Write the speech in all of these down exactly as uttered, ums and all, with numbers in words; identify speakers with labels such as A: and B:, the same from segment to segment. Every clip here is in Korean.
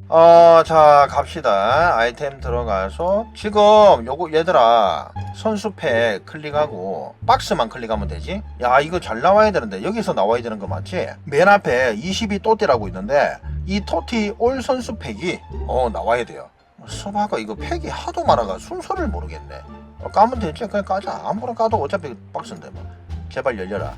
A: 어, 자, 갑시다. 아이템 들어가서 지금 요거 얘들아 선수팩 클릭하고 박스만 클릭하면 되지. 야, 이거 잘 나와야 되는데 여기서 나와야 되는 거 맞지? 맨 앞에 이십이 또띠라고 있는데 이 토티 올 선수팩이 어 나와야 돼요. 서바가 이거 팩이 하도 많아가 순서를 모르겠네. 어, 까면 되지. 그냥 까자. 아무거나 까도 어차피 박스인데 뭐. 제발 열려라.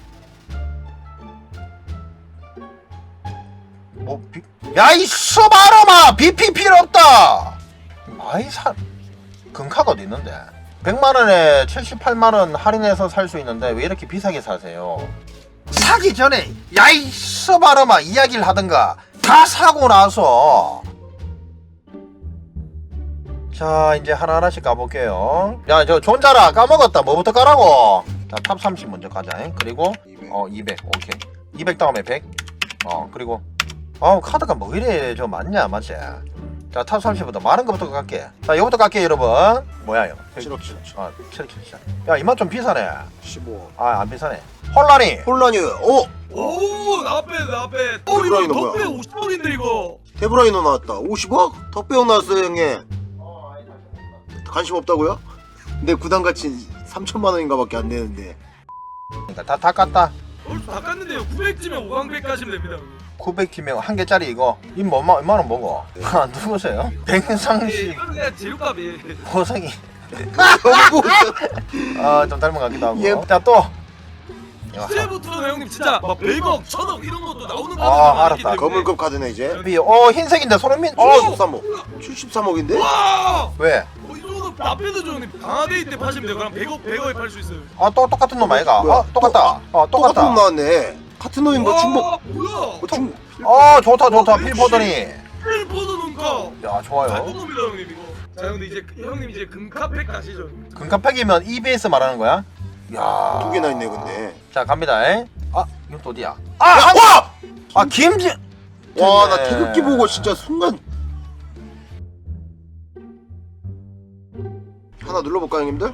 A: 뭐 비... 야이 서바로마 비피 필요 없다. 많이 사 금카가 어디 있는데 백만 원에 칠십팔만 원 할인해서 살 수 있는데 왜 이렇게 비싸게 사세요? 사기 전에 야이 서바로마 이야기를 하든가. 다 사고 나서. 자 이제 하나하나씩 까볼게요. 야 저 존자라 까먹었다. 뭐부터 까라고? 자 탑 삼십 먼저 가자. 그리고
B: 이백.
A: 어 이백 오케이. 이백 다음에 백. 어 그리고 어 카드가 뭐 이래 저 많냐 맞지? 자 탑 삼십부터 많은 거부터 갈게. 자 이거부터 갈게 여러분. 뭐야 이거?
B: 칠억칠억칠.
A: 아 칠억칠십. 야 이만 좀 비싸네.
B: 십오.
A: 아 안 비싸네. 혼란이.
B: 혼란이. 오!
C: 오, 나 앞에, 나 앞에. 어,
B: 데브라이너
C: 이거
B: 뭐야?
C: 덕배 오십억인데, 이거.
B: 데브라이너 나왔다. 오십억? 덕배용 나왔어요 형님. 관심 없다고요? 근데 구단 가치 삼천만 원인가 밖에 안 되는데.
A: 그러니까 다 다 깠다.
C: 얼추 다 깠는데요. 구백쯤에 오강백 가시면 됩니다.
A: 구백 키면 한 개짜리 이거. 이뭐 얼마 얼마 원 먹어? 아 누구세요?
C: 예,
A: 백상식
C: 이거는 그냥 재료값이에요.
A: 보성이.
B: 너무
A: 아좀 닮은 것 같기도 하고.
B: 예.
A: 자 또.
C: 이제부터는 형님 진짜 막 백억, 천억 이런 것도 나오는
A: 아,
C: 가격이 많기
A: 알았다.
C: 때문에.
B: 거물급 카드네 이제.
A: 비. 어 흰색인데 손흥민. 어
B: 칠십삼억. 칠십삼억인데?
C: 와!
A: 왜?
C: 어, 이 정도 나빼도 형님 강화데이 때 파시면 돼요. 그럼 백억, 백억에 팔 수 있어요.
A: 아 또 똑같은 놈 아이가?
B: 뭐야?
A: 어 똑같다. 어
B: 똑같은
A: 똑같다.
B: 놈 나왔네. 같은 놈이 뭐 중복.
C: 와, 뭐야?
B: 뭐 중.
A: 어 좋다 좋다 필포더니.
C: 필포드 눈가.
A: 야
C: 잘
A: 좋아요.
C: 뽑습니다 형님 이거. 자 형님 이제 형님 이제 금카팩 가시죠.
A: 금카팩이면 이비에스 말하는 거야? 야.
B: 두 개나 있네 근데.
A: 자 갑니다. 에? 아 이건 또 어디야? 아,
B: 야,
A: 한-
B: 와!
A: 아 김진.
B: 와, 나
A: 됐네.
B: 태극기 보고 진짜 순간. 하나 눌러볼까 형님들?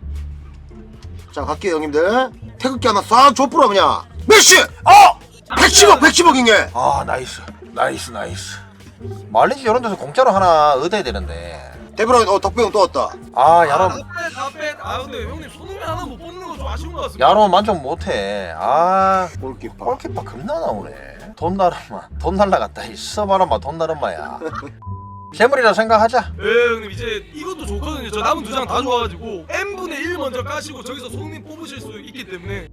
B: 자 갈게요 형님들. 태극기 하나 싹 줘뿌려 그냥. 메시!
A: 어!
B: 백십억 백십억이네.
A: 아 나이스 나이스 나이스. 말리지 이런 데서 공짜로 하나 얻어야 되는데.
B: 데브라인 어 덕배형 또 왔다.
A: 아 야로
C: 나빼 나빼. 아 근데 형님 손흥민 하나 못 뽑는 거 좀 아쉬운 것 같습니다.
A: 야로 만족 못해. 아
B: 골키퍼.
A: 골키퍼 겁나 나오네. 돈 날아마 돈 날라갔다. 이 써봐라마 돈 날아마야. 재물이라 생각하자.
C: 네 형님 이제 이것도 좋거든요. 저 남은 두 장 다 좋아가지고 n분의 일 먼저 까시고 저기서 손흥민 뽑으실 수 있기 때문에.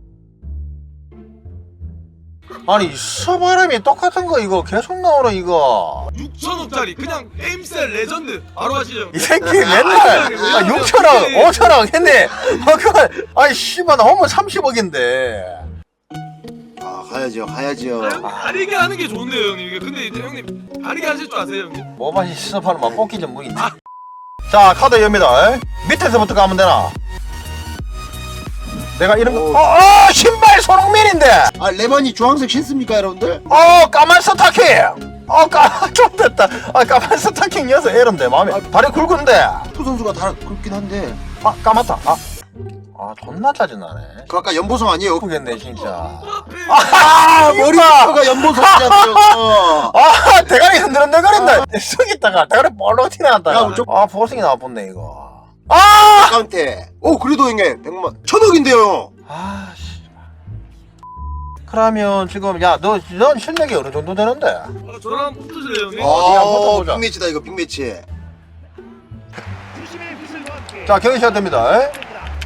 A: 아니 서바람이 똑같은 거 이거 계속 나오네 이거.
C: 육천억짜리 그냥 게임셀 레전드 바로 하시죠.
A: 이 새끼 맨날 아, 육천억 오천억 했네. 아 그걸 아니 씨발 나 홈은 삼십억인데.
B: 아 가야죠 가야죠.
C: 아, 형님 다르게 하는 게 좋은데요 형님. 이게 근데 이제 형님 다르게 하실 줄 아세요 형님?
A: 뭐만 서바람만 뽑기 전문인데. 자 카드 엽니다. 밑에서부터 가면 되나? 내가 이런 거.
B: 오.
A: 어, 어 신발 손흥민인데.
B: 아 레반이 주황색 신습니까 여러분들?
A: 어 까만 스타킹. 어 까만 좀 됐다. 아 까만 스타킹 여서 에런데 마음에. 다리 굵은데.
B: 프 선수가 다 그렇긴 한데.
A: 아 까맣다. 아. 아 존나 짜증나네.
B: 그 아까 연보성 아니에요?
A: 예쁘겠네 진짜.
B: 아 머리가 연보성이잖아요.
A: 아 대가리 흔들흔들거린다. 쑥 있다가 대가리 볼록 튀어나왔다가.
B: 야, 좀-
A: 아 보승이 나왔네 이거. 아!
B: 아까운테. 오 그래도 형님 백만 천억인데요.
A: 아 씨. 그러면 지금 야너 넌 실력이 어느 정도 되는데?
C: 아, 저랑 한번 붙으실래요 형님?
A: 어디 한번
B: 아
A: 붙어보자.
B: 빅매치다 이거 빅매치.
A: 자 경기 시작됩니다. 에?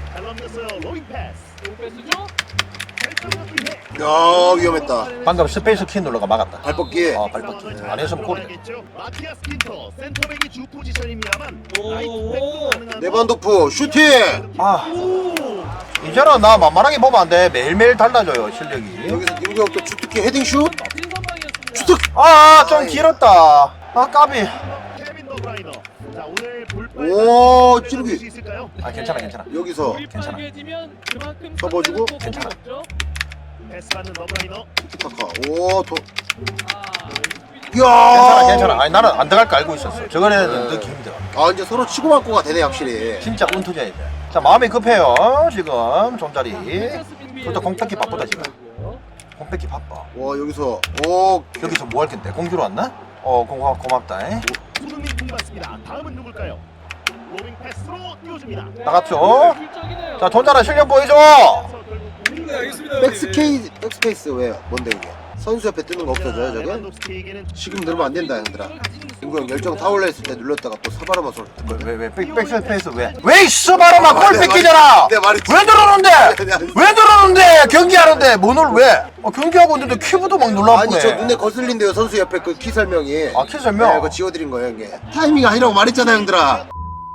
B: 야 위험했다.
A: 방금 스페이스 키 눌러가 막았다.
B: 발벗기.
A: 아 발뻗기. 안 했으면 골이다.
D: 마티아스 킨터 센터백이 주 포지션입니다만
C: 오.
B: 레반도프 슈팅.
A: 아 이제는 나 만만하게 보면 안 돼. 매일매일 달라져요 실력이.
B: 여기서 김구혁도 주특기 헤딩 슛. 주특.
A: 아좀 길었다. 아 까비.
D: 케빈 더브라이너. 자 오늘
B: 오, 찌르기.
D: 수 있을까요?
A: 아 괜찮아 괜찮아.
B: 여기서
A: 괜찮아.
B: 접어주고.
A: 괜찮아.
D: 패스 받는 더브라이너.
B: 타카. 오 도.
A: 괜찮아
B: 야.
A: 괜찮아. 아니 나는 안 들어갈 거 알고 있었어. 저거는 넣기 힘들어.
B: 아 이제 서로 치고받고가 되네 확실히.
A: 진짜 운투자야 돼. 자 마음이 급해요 지금 좀자리. 그것도 공 뺏기 바쁘다 지금. 공 뺏기 바빠.
B: 와 여기서 오
A: 여기서 뭐 할 건데? 공주로 왔나? 어 고마, 고맙다. 에?
D: 손흥민 공 받습니다. 다음은 누굴까요? 로빙 패스로 띄워줍니다.
A: 나갔죠? 자 존잘한 실력 보여줘.
C: 네 알겠습니다. 형님.
B: 백스케이 백스페이스 왜 뭔데 이게? 선수 옆에 뜨는 거 없어져요 저게?
D: 레반도프스키에게는
B: 지금 누르면 안 된다 형들아. 인구 형 열정 다 올라 있을 때 눌렀다가 또 사바라마 소리 듣거든.
A: 왜왜 백스페이스 왜? 왜 있어 바로만 골 뺏기잖아.
B: 내 말이
A: 왜 들어오는데?
B: 내 말이-
A: 왜 들어오는데? 경기하는데 뭐를 왜? 어, 경기하고 있는데 키보드 막 눌러보네.
B: 아니 저 눈에 거슬린대요 선수 옆에 그 키 설명이.
A: 아, 키 설명?
B: 네, 그거 지워드린 거예요 형님. 타이밍 아니라고 말했잖아 형들아.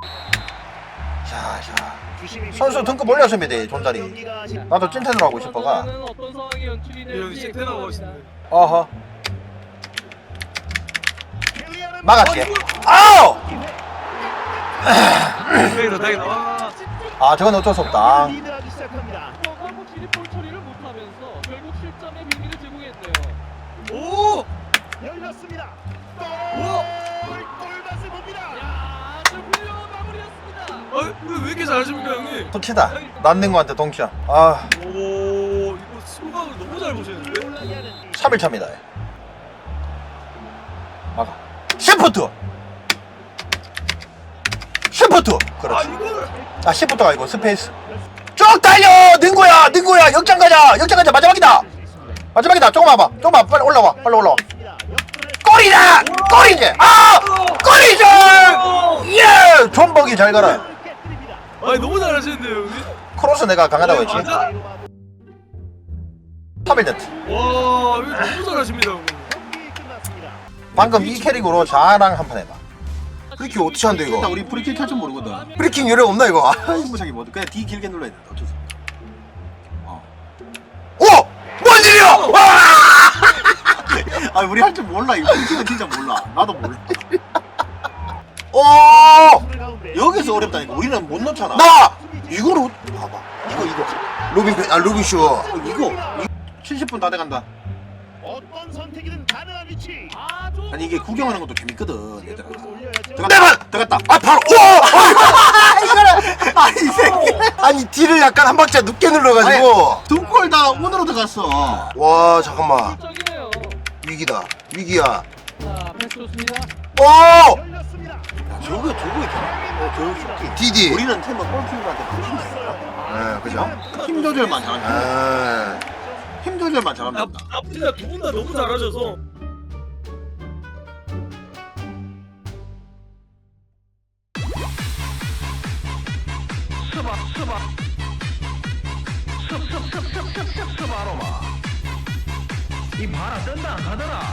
A: 자, 자.
D: 주심이
A: 선수 등급 올렸으면 돼 존잘이.
D: 경기가 아직
A: 나도 찐텐으로 하고 싶어가.
E: 어떤 상황이 연출이
C: 예, 형님
E: 될지
C: 찐텐하고 있습니다.
A: 어허.
D: 켈리안은
A: 막았지. 아우!
C: 다행이다 다행이다. 와.
A: 아 저건 어쩔 수 없다.
D: 리드하기 시작합니다.
E: 한국 진입볼 처리를 못하면서 결국 실점의 위기를 제공했네요.
C: 오.
D: 열렸습니다.
C: 우와.
D: 골! 골맛을 봅니다.
E: 야, 아주 훌륭한 마무리였습니다.
C: 아왜 왜 이렇게 잘하십니까 형님?
A: 터치다. 난닝구한테 동점. 아
C: 오 이거 수박을 너무 잘 보시는데.
D: 올라게 하는
A: 삼 일 차입니다. 막아. 시프트. 시프트.
C: 아
A: 그렇지.
C: 이거를.
A: 아 시프트가 아니고 스페이스. 쭉 달려. 능구야, 능구야. 역장 가자. 역장 가자. 마지막이다. 마지막이다. 조금 와봐. 조금 와봐. 빨리 올라와. 빨리 올라와. 골이다. 골이지. 아, 골이지. 예. 존버기 잘 가라.
C: 아니 너무 잘하시는데요 형님.
A: 크로스 내가 강하다고 했지.
C: 맞아?
A: 삼 일 네트.
C: 와 이거 너무 잘하십니다 형님.
D: 경기 끝났습니다.
A: 방금 이 캐릭으로 자랑 한 판 해봐.
B: 프리킥 어떻게 한대 이거?
A: 우리 프리킥 할 줄 모르거든.
B: 프리킥 요령 없나 이거?
A: 무작위 뭐 그냥 D 길게 눌러야 된다. 어쩔 수 없어.
B: 오! 뭔 일이야? 와!
A: 아 우리 할 줄 몰라. 이거 프리킥은 진짜 몰라. 나도 몰라.
B: 오!
D: 가운데
A: 여기서 어렵다니까. 우리는 못 넣잖아.
B: 나!
A: 이거로 봐봐. 이거 이거.
B: 로빈 페- 아 로빈 쇼.
A: 이거. 칠십 분 다 돼간다.
D: 어떤 선택이든 가능한 위치.
E: 아, 좀
A: 아니 이게 구경하는 것도 재밌거든. 얘들아.
D: 올려야죠.
A: 들어갔다. 들어갔다.
B: 아 바로 오! 이거를 아니 이 새끼. 아니 D를 약간 한 박자 늦게 눌러가지고.
A: 두 골 다 운으로 들어갔어.
B: 와 잠깐만.
E: 적이네요.
B: 위기다. 위기야.
E: 자, 패스 좋습니다.
B: 오!
D: 열렸습니다.
A: 야, 저거 저거 있잖아. 어, 저 쇼킹.
B: 디디.
A: 우리는 팀은 골키퍼한테 맞춘다.
B: 네, 그죠?
A: 힘 조절만 잘한다.
B: 아.
A: 힘 조절만
C: 아,
A: 잘한다.
C: 아 진짜 두 분 다 너무 잘하셔서.
D: 이 봐라 뜬다 안 가더라.